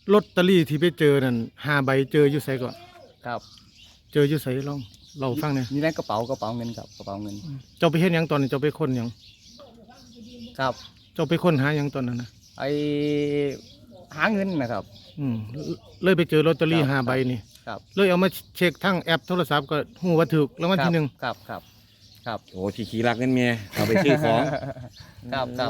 ลอตเตอรี่ที่ไปเจอนั่น5 ใบเจออยู่ไสก่อนครับเจออยู่ไสลองเราฟังเนี่ยนี่ในกระเป๋าเงินครับกระเป๋าเงินเจ้าไปเฮ็ดหยังตอนนี้เจ้าไปค้นหยังครับเจ้าไปค้นหาหยังตอนนั้นนะไอหาเงินนะครับอืมเลยไปเจอลอตเตอรี่ครับ 5 ใบนี่ครับเลยเอามาเช็คทั้งแอปโทรศัพท์ก็ฮู้ว่าถูกรางวัลที่หนึ่งครับโอ้ขี้รักเงินเมียเอาไปซื้อของครับ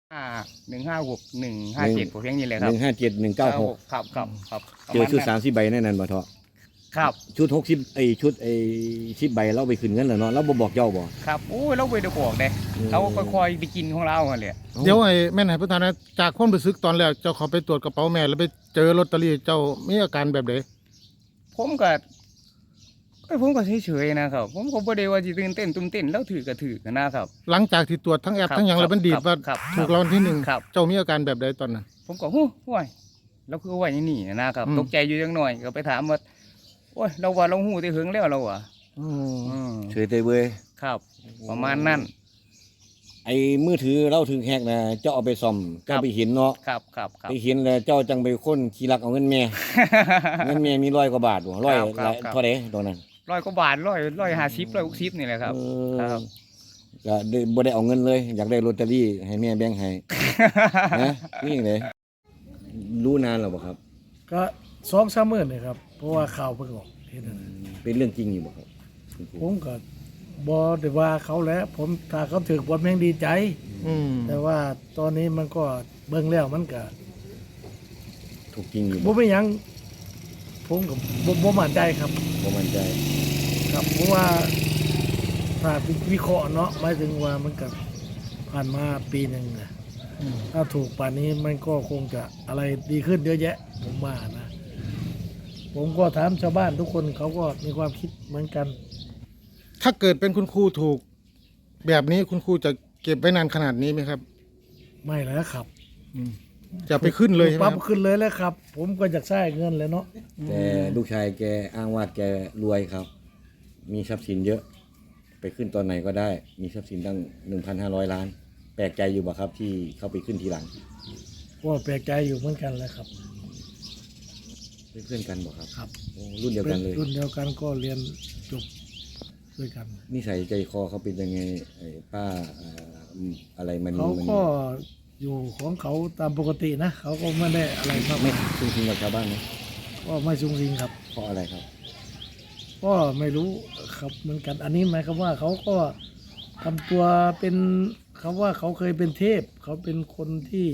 1516 157ผมเพียงนี้เลยครับ 157196 ครับเจอชุด30 ใบแน่นอนบ่เถาะครับชุด60ชุด10 ใบเราไปขึ้นเงินแล้วเนาะเราบ่บอกเจ้าบ่ครับโอ้ยเราไปเดี๋ยวบอกเลยเราค่อยๆไปกินของเราเลยเดี๋ยวไอ้แม่นให้ประธานนะจากความรู้สึกตอนแรกเจ้าเขาไปตรวจกระเป๋าแม่แล้วไปเจอลอตเตอรี่เจ้ามีอาการแบบใดผมก็เฉยๆนะครับผมก็บ่ได้ว่าสิตื่นเต้นตุ้มเต้นแล้วถือก็ถือกันนะครับหลังจากที่ตรวจทั้งแอปทั้งหยังแล้วมันดีดว่าถูกรางวัลที่หนึ่งครับเจ้ามีอาการแบบใดตอนนั้นผมก็หู้ห้วยเราคือว่าอย่างนี้นะครับตกใจอยู่จังหน่อยก็ไปถามว่าโอ้ยเราว่าเราหู้ได้หึงแล้วเราอ่ะเฉยเตยเว้ยครับ ประมาณนั้นไอ้มือถือเราถึงแฮกนะเจ้าเอาไปซ่อมเจ้าไปเห็นเนาะครับไปเห็นแล้วเจ้าจังไปค้นขี้รักเอาเงินแม่ เงินแม่มี100 กว่าบาทบ่100เท่าใดตอนนั้น 100 กว่าบาท150 160นี่แหละครับครับก็บ่ได้เอาเงินเลยอยากได้ลอตเตอรี่ให้แม่แบ่งให้ นะนี่เลยรู้นานแล้วบ่ครับก็2-3 มื้อนี่ครับเพราะว่าข่าวเพิ่งออกเห็นนั่นน่ะเป็นเรื่องจริงอยู่บ่ครับผมก็บ่ได้ว่าเขาแหล้วผมถ้าเขาถูกผมยังดีใจแต่ว่าตอนนี้มันก็เบิ่งแล้วมันก็ถูกจริงอยู่บ่มีหยังผมก็บ่มั่นใจครับบ่มั่นใจครับเพราะว่าถ้าวิเคราะห์เนาะหมายถึงว่ามันก็ผ่านมาปีหนึงน่ะถ้าถูกป่านนี้มันก็คงจะอะไรดีขึ้นเยอะแยะผมว่านะผมก็ถามชาวบ้านทุกคนเขาก็มีความคิดเหมือนกันถ้าเกิดเป็นคุณครูถูกแบบนี้คุณครูจะเก็บไว้นานขนาดนี้ไหมครับไม่แล้วครับจะไปขึ้นเลยใช่ไหมปั๊บขึ้นเลยแล้วครับผมก็อยากได้เงินเลยเนาะแต่ลูกชายแกอ้างว่าแกรวยครับมีทรัพย์สินเยอะไปขึ้นตอนไหนก็ได้มีทรัพย์สินตั้ง 1,500 ล้านแปลกใจอยู่บ่ครับที่เข้าไปขึ้นทีหลังก็แปลกใจอยู่เหมือนกันแหละครับเป็นเพื่อนกันบ่ครับครับรุ่นเดียวกันเลยรุ่นเดียวกันก็เรียนจบด้วยกันนิสัยใจคอเขาเป็นยังไงป้าอะไรมันเขาก็อยู่ของเขาตามปกตินะเขาก็ไม่ได้อะไรมากไม่ซุ่มซิงกับชาวบ้านนะก็ไม่ซุ่มซิงครับเพราะอะไรครับก็ไม่รู้ครับเหมือนกันอันนี้หมายความว่าเขาก็ทำตัวเป็นคำว่าเขาเคยเป็นเทพเขาเป็นคนที่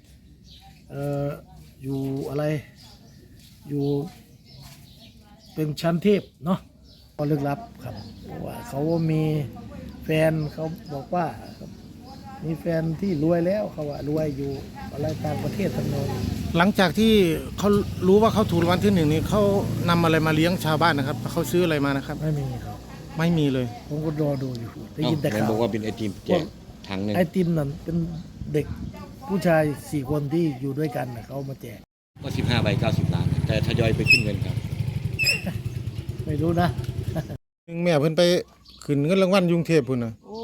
อยู่อะไรอยู่เป็นชั้นเทพเนาะก็ลึกลับครับเพราะว่าเขามีแฟนเขาบอกว่ามีแฟนที่รวยแล้วเขาว่ารวยอยู่อะไรต่างประเทศทั้งนั้นหลังจากที่เขารู้ว่าเขาถูกรางวัลที่หนึ่งนี่เขานำอะไรมาเลี้ยงชาวบ้านนะครับเขาซื้ออะไรมานะครับไม่มีครับไม่มีเลยผมก็รอดูอยู่ได้ยินแต่ข่าวบอกว่าเป็นไอติมแจกถังนึงไอติมนั่นเป็นเด็กผู้ชาย4 คนที่อยู่ด้วยกันเขามาแจกก็15 ใบ 90 ล้านแต่ทยอยไปขึ้นเงินครับไม่รู้นะแม่เพิ่นไปขึ้นเงินรางวัลกรุงเทพพุ่นน่ะโอ้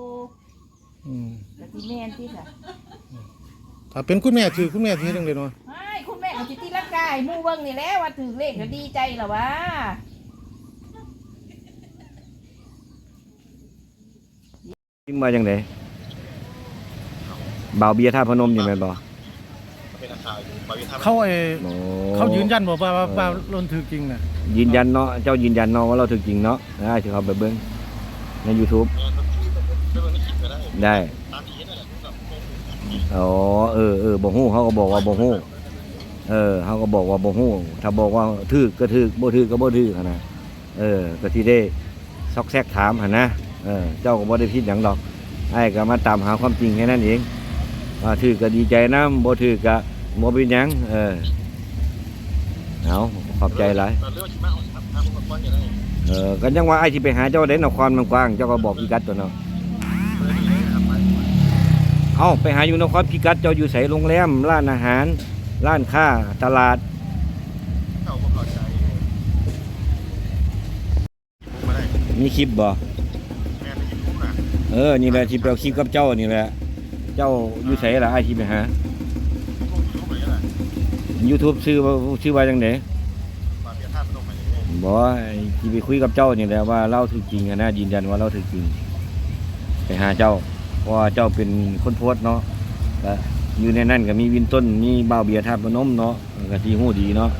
แต่ที่แม่นที่ค่ะถ้าเป็นคุณแม่ถือคุณแม่ถือจังเลยเนาะไม่คุณแม่ก็สิตีร่างกายหมู่เบิ่งนี่แหละว่าถือเลขก็ดีใจล่ะวะขึ้นมาจังได๋บ่าวเบียร์ท่าพนมอยู่แม่นบ่เขายืนยันบอกว่าลนถือจริงน่ะยืนยันเนาะเจ้ายืนยันเนาะว่าเราถือจริงเนาะได้สิเขาไปเบิ่งใน YouTube ได้อ๋อบ่ฮู้เขาก็บอกว่าบ่ฮู้เขาก็บอกว่าบ่ฮู้ถ้าบอกว่าถือก็ถือบ่ถือก็บ่ถือหั่นน่ะก็สิได้ซอกแซกถามหั่นนะเจ้าก็บ่ได้ผิดหยังดอกไอ้ก็มาตามหาความจริงแค่นั้นเองว่าถือก็ดีใจนำบ่ถือก็บ่เป็นหยังเอาขอบใจหลายกันยังว่าไอ้สิไปหาเจ้าได้นครมันกว้างเจ้าก็บอกพิกัดตัวเนาะเอาไปหาอยู่นครพิกัดเจ้าอยู่ไสโรงแรมร้านอาหารร้านค้าตลาดมีคลิปบ่นี่แหละที่ไปเอาคลิปกับเจ้านี่แหละเจ้าอยู่ไสล่ะไอ้ที่ไปหา YouTube ชื่อว่าจังได๋บ่ที่ไปคุยกับเจ้านี่แหละว่าเราถูกจริงอะนะยืนยันว่าเราถูกจริงไปหาเจ้าเพราะว่าเจ้าเป็นคนโพสต์เนาะก็อยู่ในนั้นก็มีวินต้นมีบ่าวเบียร์ธาตุพนมเนาะก็สิฮู้ดีเนาะ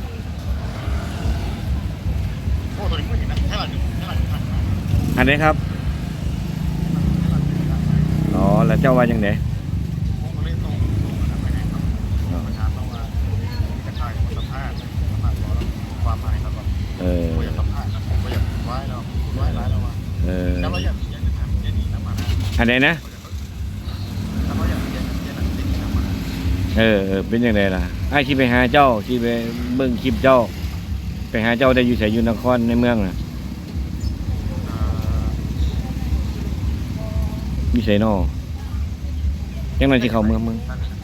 อันนี้ครับอ๋อแล้วเจ้าว่าจังได๋เอออันไหนนะเป็นยังไงล่ะไอ้ที่ไปหาเจ้าที่ไปเบิ่งคลิปเจ้าไปหาเจ้าได้อยู่ไสอยู่นครในเมืองน่ะมีไสน้อยังไงสิเข้าเมือง